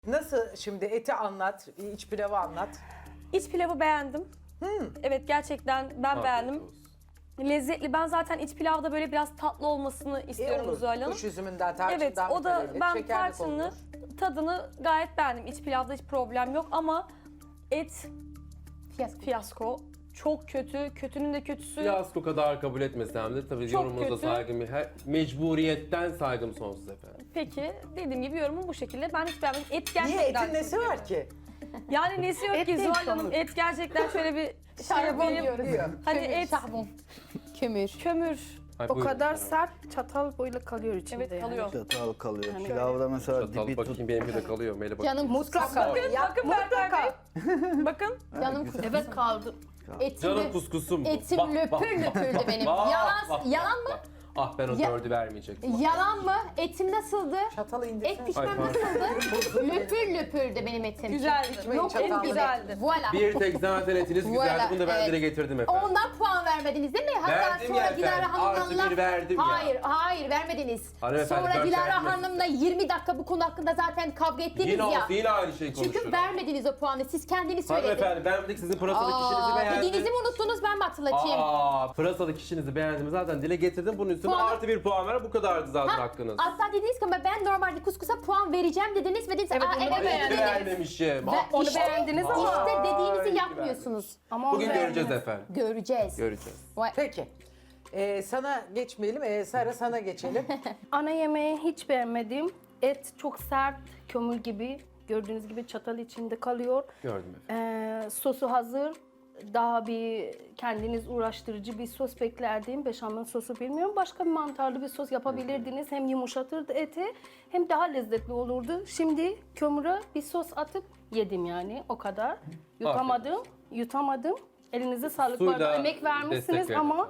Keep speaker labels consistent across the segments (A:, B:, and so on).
A: Nasıl şimdi eti anlat, iç pilavı anlat.
B: İç pilavı beğendim. Evet gerçekten ben beğendim. Lezzetli. Ben zaten iç pilavda böyle biraz tatlı olmasını istiyorum
A: olur.
B: Zuhal Hanım.
A: Kuş üzümünden, tarçından
B: Evet o da
A: mütevellit,
B: ben
A: şekerli
B: tarçını
A: konulur.
B: tadını gayet beğendim. İç pilavda hiç problem yok ama et fiyasko. Çok kötü. Kötünün de kötüsü.
C: Fiyasko kadar kabul etmesem de tabii
B: Çok
C: yorumunuza
B: kötü.
C: saygım, mecburiyetten saygım sonsuz efendim.
B: Peki dediğim gibi yorumum bu şekilde. Ben hiç beğenmedim. Et
A: Niye
B: gerçekten
A: etin nesi
B: çok
A: var
B: kötü.
A: ki?
B: Yani nesi yok
D: Et
B: ki
D: değil,
B: Zuhal Hanım?
D: kömür.
B: Et gerçekten şöyle bir şey yapayım.
A: Diyor.
B: Hani et,
E: Şahbon. Kömür.
B: kömür.
C: Ay,
D: O
C: buyurun
D: kadar
C: efendim.
D: sert çatal böyle kalıyor içinde.
B: Evet kalıyor.
F: Çatal kalıyor. Pilavda mesela
C: Çatal
F: dibi
C: bakayım benimki de kalıyor. Mele bakayım.
E: Canım
D: Mutlaka.
B: Bakın Berkay Bey. Bakın.
E: Canım
D: Evet kaldı.
E: Etim,
C: Canım kuskusum.
E: etim
C: Bak,
E: löpür
C: bak,
E: löpürdü
C: bak,
E: benim.
C: bak,
E: Yalan,
C: bak,
E: yalan mı?
C: bak. Ah ben o
E: Ya-
C: 4'ü vermeyecektim.
E: Yalan mı? Etim nasıldı?
A: Çatalı
E: Et
A: indirsene.
E: pişmem
C: Ay,
E: nasıldı? Löpür löpürdü benim etim.
B: Güzeldi.
E: Yok
A: çatal.
E: et
B: Güzeldi.
E: Voilà.
C: Bir tek zaten etiniz güzeldi.
E: Voilà,
C: Bunu da ben
E: evet.
C: dile getirdim efendim.
E: Ondan puan vermediniz değil mi? Hatta
C: Verdim
E: sonra
C: ya
E: Dilara
C: efendim.
E: Hanım'la...
C: Artı bir verdim ya.
E: Hayır vermediniz.
C: Hanımefendi,
E: Sonra
C: dört
E: Dilara
C: verdiniz.
E: Hanım'la 20 dakika bu konu hakkında zaten kavga ettiniz
C: Yine
E: ya.
C: olsun yine aynı şeyi konuşuyoruz.
E: Çünkü vermediniz o puanı. Siz kendiniz söylediniz.
C: Hanımefendi ben bir tek sizin pırasalı kişinizi beğendim.
E: Dediğinizi mi unuttunuz ben mi hatırlatayım?
C: Pırasalı kişinizi beğendim zaten dile getirdim. Bunun üstüne
E: Puanı-
C: artı bir puan ver. Bu kadardı zaten hakkınız.
E: Hatta dediniz ki ben normalde kuskusa puan vereceğim dediniz ve dediniz
D: Evet, onu
E: evet
C: Ay, hiç
E: dediniz.
C: beğenmemişim.
E: Ve
D: Onu
E: işte-
D: beğendiniz ama.
E: İşte
C: Ay,
E: dediğinizi
C: hiç
E: yapmıyorsunuz.
D: Ama
C: Bugün
D: onu
C: göreceğiz
D: beğendim.
C: efendim.
E: Göreceğiz.
C: Göreceğiz.
A: Peki. Sana geçmeyelim. Sara sana geçelim.
D: Ana yemeği hiç beğenmedim. Et çok sert, kömür gibi. Gördüğünüz gibi çatal içinde kalıyor.
C: Gördüm efendim.
D: Sosu hazır. Daha bir kendiniz uğraştırıcı bir sos beklerdim. Beşamel sosu bilmiyorum. Başka bir mantarlı bir sos yapabilirdiniz. Hem yumuşatırdı eti hem daha lezzetli olurdu. Şimdi kömüre bir sos atıp yedim yani o kadar. Yutamadım. Elinize sağlık. Bu
C: Suyla
D: arada emek vermişsiniz
C: destek
D: ama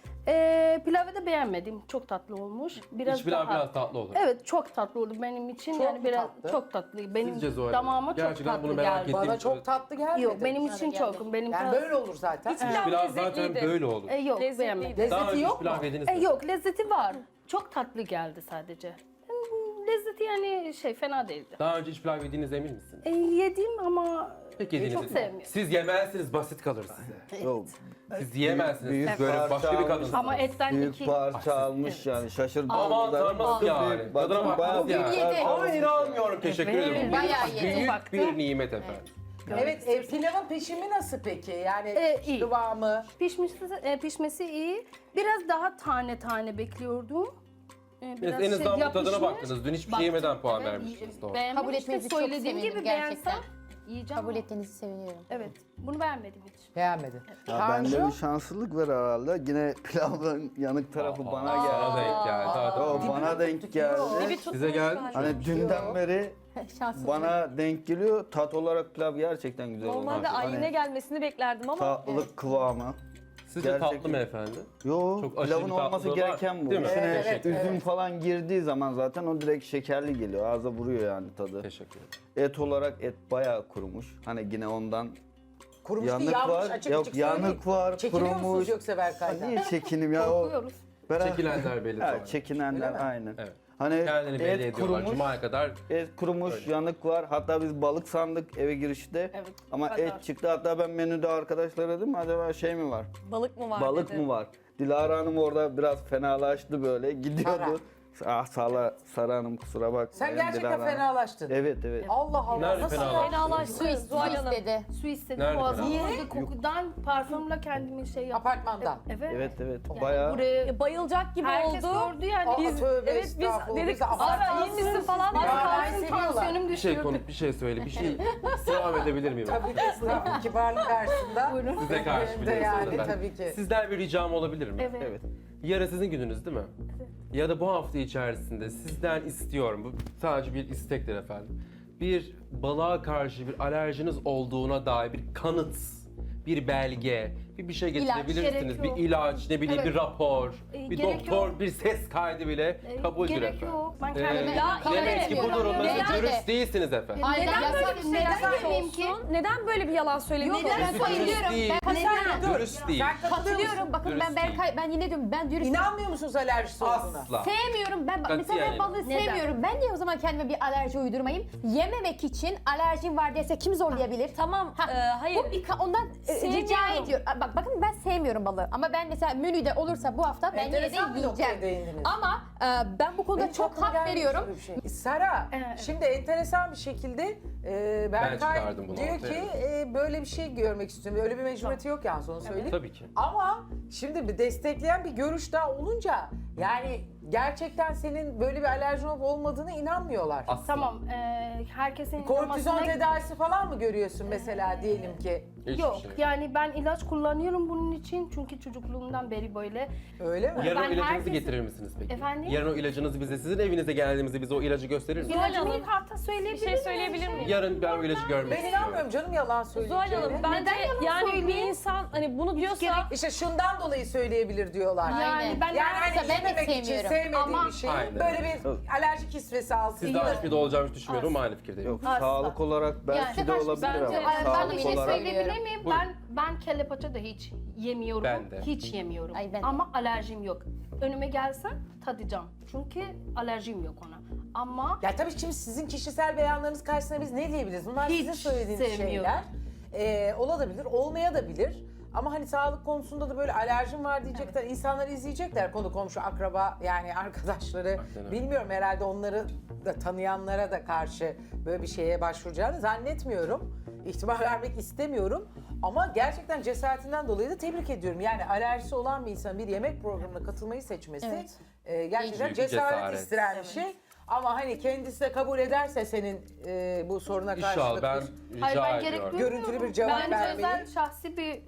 D: pilavı da beğenmedim. Çok tatlı olmuş.
C: İç pilav biraz tatlı olur.
D: Evet çok tatlı oldu benim için.
A: Çok
D: yani
A: mu
D: biraz
A: tatlı?
D: çok tatlı. Benim
C: Sizce Zuhal Hanım?
D: damağıma çok
C: Gerçekten
D: tatlı
C: bunu merak
D: geldi.
C: ettim.
A: Bana çok tatlı gelmedi.
D: Yok benim için çok. Benim
A: Yani böyle olur zaten.
B: İç pilav
C: Pilav zaten
B: lezzetliydi.
C: böyle olur.
D: Yok
B: Lezzetliydi.
D: beğenmedim.
C: Daha
A: Lezzeti
C: önce hiç
A: yok mu?
C: pilav yediniz mi?
D: Yok lezzeti var. Çok tatlı geldi sadece. Lezzeti yani fena değildi.
C: Daha önce hiç pilav yediğinize emin misiniz?
D: Yedim ama
C: Pek yediğiniz
D: çok sevmiyorum.
C: Siz yemezsiniz basit kalır size.
F: Yok.
C: Siz yiyemezsiniz.
F: Büyük
C: Siz böyle
F: parça
C: başka bir
F: almış.
C: kadınsınız.
D: Ama etten
F: Büyük
D: iki...
F: parça almış yani şaşırdım.
C: Aman tanrım nasıl yani?
F: Büyük, bak,
C: Tadına bakmanız
F: bayağı
C: yani.
F: büyük parça
C: Ay
F: almış.
C: inanmıyorum. Teşekkür
D: Evet.
C: ederim.
E: Bayağı yedi.
C: Büyük
D: Baktı.
C: bir nimet efendim.
A: Evet, pilavın pişimi nasıl peki? Yani
D: iyi.
A: kıvamı.
D: Pişmesi iyi. Biraz daha tane tane bekliyordum. Biraz
C: En azından bu tadına
D: yapışmış.
C: baktınız. Dün hiçbir şey yemeden puan vermiştiniz. Doğru.
D: Beğenmedim.
E: Kabul etmenizi
D: İşte
E: çok
D: söylediğim
E: sevindim
D: gibi
E: gerçekten.
D: beğensem yiyeceğim.
E: Kabul
D: ama-
E: ettiğinizi seviniyorum.
D: Evet. Bunu beğenmedim hiç.
A: Beğenmedin.
F: Ya bende
A: Tanju?
F: bir şanslılık var herhalde. Yine pilavın yanık tarafı bana geldi.
C: Sana denk geldi. Zaten.
F: O bana denk geldi.
C: Size geldi mi?
F: Hani dünden beri
E: Şanslı.
F: bana denk geliyor. Tat olarak pilav gerçekten güzel olmuş.
B: Normalde
F: Hani
B: ayine gelmesini beklerdim ama
F: tatlılık kıvamı.
C: Sizce
F: Gerçekten-
C: tatlı mı efendim?
F: Yo,
C: Çok aşırı
F: pilavın
C: bir
F: olması
C: tatlılığı var,
F: gereken bu.
C: değil mi?
F: İçine
A: Evet,
F: üzüm falan girdiği zaman zaten o direkt şekerli geliyor. Ağza vuruyor yani tadı.
C: Teşekkür ederim.
F: Et olarak et bayağı kurumuş. Hani yine ondan
A: Kurumuş değil,
F: yanık
A: yanmış.
F: var.
A: Açık
F: Yok
A: açık
F: yanık
A: söyleyin.
F: var,
A: Çekiniyor musunuz
F: kurumuş.
A: yoksa Berkay'dan?
F: Niye çekinim ya o?
D: Korkuyoruz.
C: Çekilenler belli sonra.
F: Ha, çekinenler
A: Öyle mi?
F: aynen.
C: Evet.
F: Hani
C: Kendini belli
F: et
C: ediyorlar.
F: kurumuş,
C: Cuma'ya kadar
F: et kurumuş, yanık var. Hatta biz balık sandık eve girişte.
D: Evet,
F: Ama
D: o kadar.
F: et çıktı. Hatta ben menüde arkadaşlara dedim acaba şey mi var?
B: balık mı var
F: Balık
B: dedi.
F: mı var? Dilara Hanım orada biraz fenalaştı böyle. Gidiyordu. Sara Hanım kusura bak.
A: Sen gerçekten fenalaştın.
F: Evet evet.
A: Allah Allah.
C: Nerede
A: Nasıl
C: fenalaştın?
A: ya?
B: Fenalaştı
E: Su
B: Zuhal Hanım.
E: istedi.
D: Su istedim.
C: Nerede
D: Boğazım
C: falan?
D: ağrıdı. Kokudan parfümle kendimi yaptım.
A: Apartmandan.
D: Evet.
F: Evet evet. Bayağı
D: Buraya
B: Bayılacak gibi
D: herkes
B: oldu.
D: gördü yani.
A: Aa,
B: Biz,
A: tövbe
B: evet biz
A: estağfurullah.
B: dedik
A: Biz de
B: Ara iyi misin falan.
D: Az
A: Ya, ben
D: kalsın
A: seviyorlar.
D: tansiyonum
C: bir şey
D: düşürdü.
C: bir şey söyle. Bir şey istirham edebilir miyim?
A: Tabii ki estağfurullah. Kibarlık karşısında.
D: Buyurun.
C: Size karşı
A: Benim de
C: biliyorsunuz
A: yani,
C: efendim.
A: tabii ki.
C: Sizden bir ricam olabilir mi?
D: Evet.
F: evet.
C: Yarın sizin gününüz değil mi? Evet. Ya da bu hafta içerisinde sizden istiyorum, bu sadece bir istektir efendim. Bir balığa karşı bir alerjiniz olduğuna dair bir kanıt, bir belge, bir şey
E: İlaç,
C: getirebilirsiniz.
D: gerek
C: Bir
D: yok.
C: ilaç, ne bileyim
D: Evet.
C: bir rapor, bir
D: gerek
C: doktor,
D: yok.
C: bir ses kaydı bile kabuldür
D: gerek
C: efendim.
D: yok. Ben kendime-
E: Ya,
C: Demek ki bu
E: etmiyorum.
C: durumda
E: Neden?
C: siz dürüst değilsiniz efendim.
E: Aynen.
B: Neden böyle bir şey
D: Neden
B: yapıyorsun?
D: ki?
B: Neden böyle bir yalan söylemiyorsun?
E: Neden
C: Dürüst
E: söylüyorum?
C: değil. Dürüst değil.
A: Sen katılıyor musun?
E: Katılıyorum. Bakın
C: Dürüst
E: ben Berkay, ben yine diyorum ben dürüst.
A: İnanmıyor musunuz alerjisi olduğuna?
C: Asla.
E: Sevmiyorum. Ben
C: Katiyen
E: mesela ben
C: yani.
E: balığı
D: Neden?
E: sevmiyorum. Ben de o zaman kendime bir alerji uydurmayayım. Yememek için alerjim var dese kim zorlayabilir?
B: Tamam, hayır.
E: Bu ondan
B: Sevmiyorum.
E: rica ediyorum. Bakın ben sevmiyorum balığı ama ben mesela menüde olursa bu hafta ben yine de
A: Enteresan bir noktaya
E: yiyeceğim.
A: değindiniz.
E: Ama ben bu konuda
A: Benim
E: çok
A: aklıma
E: hak
A: gelmemiş
E: veriyorum.
A: böyle bir şey. Sara,
D: Evet.
A: şimdi enteresan bir şekilde Berkay
C: çıkardım bunu
A: diyor
C: ortaya.
A: ki böyle bir şey görmek istiyorum. Öyle bir mecburiyeti yok yani onu söyleyeyim.
C: Tabii ki.
A: Ama şimdi bir destekleyen bir görüş daha olunca yani gerçekten senin böyle bir alerjin olup olmadığına inanmıyorlar.
C: Asla.
D: Tamam, herkesin
A: Kortizon
D: inanmasına-
A: tedavisi falan mı görüyorsun mesela diyelim ki?
C: Hiçbir
D: Yok,
C: şey.
D: yani ben ilaç kullanıyorum bunun için çünkü çocukluğumdan beri böyle.
A: Öyle mi?
C: Yarın o
D: Ben
C: ilacınızı
D: herkesin-
C: getirir misiniz peki?
D: Efendim?
C: Yarın o ilacınızı bize, sizin evinize geldiğimizde bize o ilacı gösterir misiniz?
B: Zuhal
D: İlacımı
B: Hanım,
D: karta
B: Bir
D: söyleyebilir
B: şey
D: miyim?
B: söyleyebilir miyim?
C: Yarın ben o ilacı görmek
A: Ben
C: istiyorum.
A: inanmıyorum canım yalan
B: Zuhal
A: söyleyeceğine.
B: Hanım, bence
D: yalan
B: yani bir
D: söyleyeyim?
B: insan hani bunu diyorsa...
A: İşte şundan dolayı söyleyebilir diyorlar.
D: Yani ben
A: Yani hani
E: ben de
A: yememek için
E: sevmiyorum.
A: sevmediğim
D: Ama-
A: bir şey
C: Aynen.
A: böyle bir alerjik hisresi alsın.
C: Siz daha hiçbir de olacağımı hiç düşünmüyorum ama aynı fikirdeyim.
F: Yok
D: Asla.
F: sağlık olarak belki
E: Yani
F: de olabilir
B: bence-
F: ama
D: Ben
F: sağlık
D: bir şey
F: olarak
D: söyleyebilir miyim?
C: Buyurun.
D: Ben kelle paça da hiç yemiyorum.
C: Ben de.
D: Hiç yemiyorum.
E: Ay, ben de.
D: Ama alerjim yok. Önüme gelsen tadacağım. Çünkü alerjim yok ona. Ama
A: Ya tabii şimdi sizin kişisel beyanlarınız karşısında biz ne diyebiliriz? Bunlar
D: Hiç
A: sizin söylediğiniz
D: sevmiyorum.
A: şeyler. Olabilir, olmayabilir. Ama hani sağlık konusunda da böyle alerjim var diyecekler. İnsanlar izleyecekler konu komşu, akraba yani arkadaşları.
C: Aynen öyle.
A: Bilmiyorum herhalde onları da tanıyanlara da karşı böyle bir şeye başvuracağını zannetmiyorum. İhtimal vermek istemiyorum. Ama gerçekten cesaretinden dolayı da tebrik ediyorum. Yani alerjisi olan bir insanın bir yemek programına katılmayı seçmesi
E: Evet.
A: gerçekten
C: Büyük bir
A: cesaret
C: cesaret.
A: isteyen bir şey. Ama hani kendisi de kabul ederse senin bu soruna
C: İnşallah
A: karşılık
C: ben
A: bir
D: hayır ben
C: rica
D: gerek
C: ediyorum.
D: duymuyorum.
A: Görüntülü bir cevap
D: Bence
A: vermeyi.
D: özel şahsi bir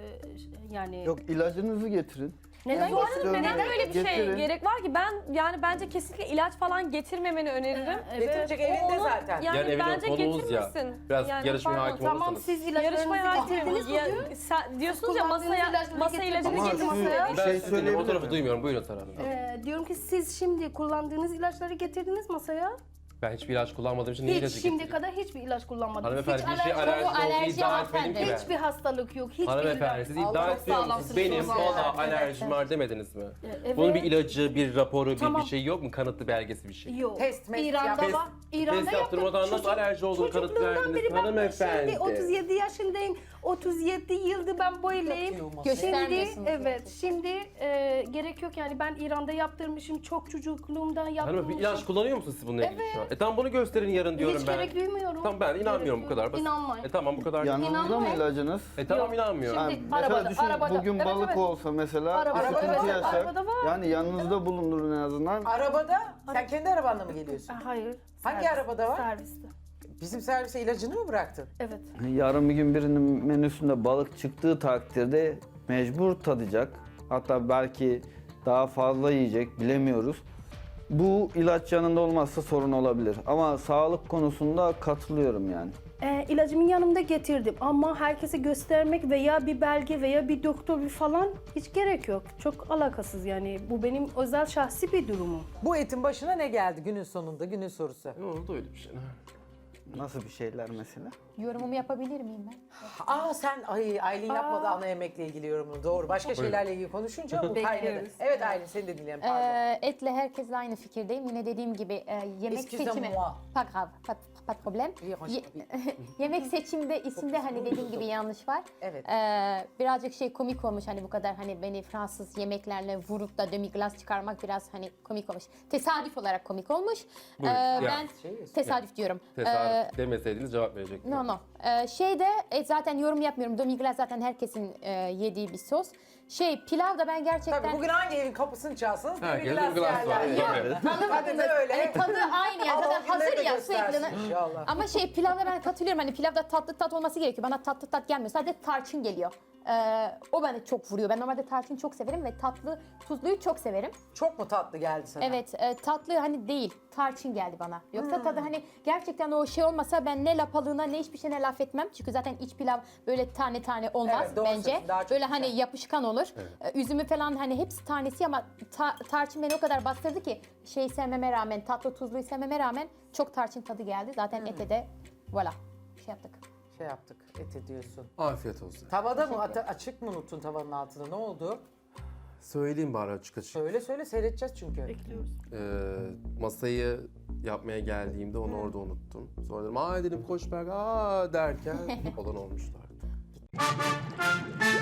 D: yani
F: Yok ilacınızı getirin.
D: neden
B: Zuhal Hanım,
F: Getirin.
B: neden böyle bir şey
F: Getirin.
B: gerek var ki? Ben yani bence kesinlikle ilaç falan getirmemeni öneririm.
A: Getirecek elinde
B: Onu-
A: zaten.
B: Yani
C: Yani evine
B: bence
C: konuğuz ya.
B: getirmesin.
C: Biraz
B: Yani
C: yarışmaya
B: pardon,
C: hakim
D: Tamam
C: olursanız.
D: siz
B: Yarışmaya
D: ilaçlarınızı
B: hakim.
D: getirdiniz mi?
B: Ya, sen diyorsunuz ya
D: Kullandığınız
B: masa
D: ilaçları
B: ilacını
F: Ama
D: getirdiniz
B: getirdiniz.
D: masaya.
F: Bir
C: Ben
F: şey
C: sizi dinliyorum, o
F: söyleyebilir
C: tarafı
F: miyim?
C: duymuyorum. Buyurun Sara Hanım.
D: Diyorum ki siz şimdi kullandığınız ilaçları getirdiniz masaya.
C: Ben hiçbir ilaç kullanmadığım için ne
D: Hiç
C: ilacı
D: şimdiye
C: getireyim?
D: kadar hiçbir ilaç kullanmadınız.
C: Hanımefendi
D: Hiç
C: bir şey
D: alerji-
C: alerjisi olduğunu
E: alerji
C: iddia etmedim
E: hanımefendi.
C: ki
D: Hiçbir
C: ben.
D: hastalık yok. Hiçbir
C: Hanımefendi siz iddia
A: Allah
C: etmiyor musunuz?
D: sağlamsınız,
C: Benim
D: çok
C: valla
D: sağlam.
C: alerjim var demediniz mi?
D: Evet.
C: Bunun bir ilacı, bir raporu,
D: Tamam.
C: bir şey yok mu? Kanıtlı belgesi bir şey.
D: Yok.
A: Test, mest
D: İran'da
A: yap.
D: var. İran'da
C: test yaptırmadan
D: yaptım.
C: nasıl alerji olduğunu kanıt
D: Çocukluğumdan
C: verdiniz
D: beri ben
C: hanımefendi?
D: Şimdi 37 yaşındayım. 37 yıldır ben böyleyim. Şimdi
E: Göstermiyorsunuz
D: evet. Şimdi gerek yok yani ben İran'da yaptırmışım. Çok çocukluğumdan
C: Hanım
D: yaptırmışım.
C: bir ilaç kullanıyor musunuz siz bununla ilgili şu an? Tamam bunu gösterin yarın diyorum
D: Hiç
C: ben.
D: gerek duymuyorum.
C: Tamam ben inanmıyorum bu
D: Gerek
C: kadar
D: yok.
C: basit.
D: İnanmayın.
C: Tamam bu kadar.
F: Yanınızda mı
D: İnanmayın.
F: ilacınız?
C: Tamam
D: Yok.
C: inanmıyorum.
D: Şimdi-
F: Ha, mesela
D: Arabada,
F: düşün
D: arabada.
F: bugün
D: Evet,
F: balık
D: evet.
F: olsa mesela
D: Arabada,
F: sıkıntı
D: evet,
F: yaşar.
D: arabada var.
F: Yani yanınızda bulundurun en azından.
A: Arabada sen kendi arabanla mı geliyorsun?
D: Hayır.
A: Hangi arabada var?
D: Serviste.
A: Bizim servise ilacını mı bıraktın?
D: Evet.
F: Yarın bir gün birinin menüsünde balık çıktığı takdirde mecbur tadacak. Hatta belki daha fazla yiyecek bilemiyoruz. Bu ilaç yanında olmazsa sorun olabilir. Ama sağlık konusunda katılıyorum yani.
D: İlacımı yanımda getirdim ama herkese göstermek veya bir belge veya bir doktor bir falan hiç gerek yok. Çok alakasız yani bu benim özel şahsi bir durumum.
A: Bu etin başına ne geldi günün sonunda, günün sorusu?
C: Ne oldu öyle bir şey?
F: Nasıl bir şeyler mesela?
E: Yorumumu yapabilir miyim ben?
A: Aa sen Aylin yapmadı ana yemekle ilgili yorumunu. Doğru. Başka şeylerle ilgili konuşunca bu kaynadı.
D: Bekliyoruz.
A: Evet Aylin seni de dinleyelim pardon.
E: Etle herkesle aynı fikirdeyim. Yine dediğim gibi yemek
A: Excusez-moi.
E: seçimi... Pas grave, pas de problème. Yemek seçimde isimde hani dediğim gibi yanlış var.
A: Evet.
E: Birazcık komik olmuş hani bu kadar hani beni Fransız yemeklerle vurup da demi-glace çıkarmak biraz hani komik olmuş. Tesadüf olarak komik olmuş.
C: Buyurun, ya.
E: Ben tesadüf diyorum.
C: Tesadüf demeseydiniz cevap verecektim.
E: No. Zaten yorum yapmıyorum. Demi-glace zaten herkesin yediği bir sos. Pilav da ben gerçekten...
A: Tabii bugün hangi evin kapısını çalsanız
C: Herkes
A: bir
C: bir glas var.
A: yerler.
C: Tabii.
A: Tadı da öyle.
E: Hani tadı aynı yani
A: Allah
E: zaten
A: günleri de
E: hazır ya
A: göstersin
E: sürekli.
A: inşallah.
E: Ama pilavda ben katılıyorum hani pilavda tatlı tat olması gerekiyor. Bana tatlı tat gelmiyor. Sadece tarçın geliyor. O beni çok vuruyor. Ben normalde tarçın çok severim ve tatlı, tuzluyu çok severim.
A: Çok mu tatlı geldi sana?
E: Evet, tatlı hani değil, tarçın geldi bana. Yoksa tadı hani gerçekten o şey olmasa ben ne lapalığına ne hiçbir şeyine laf etmem. Çünkü zaten iç pilav böyle tane tane olmaz
A: Evet, doğru
E: bence.
A: söylüyorsun, daha çok
E: Böyle
A: güzel.
E: hani yapışkan olur. Üzümü falan hani hepsi tanesi ama tarçın beni o kadar bastırdı ki şeyi sevmeme rağmen, tatlı tuzluyu sevmeme rağmen çok tarçın tadı geldi. Zaten ete de voilà şey yaptık.
A: Şey yaptık, et ediyorsun.
C: Afiyet olsun.
A: Tavada mı, açık mı unuttun tavanın altını? Ne oldu?
C: Söyleyeyim bari açık açık.
A: Söyle seyredeceğiz çünkü.
C: Masayı yapmaya geldiğimde onu orada unuttum. Sonra dedim dedim koş Berk derken olan olmuşlardı.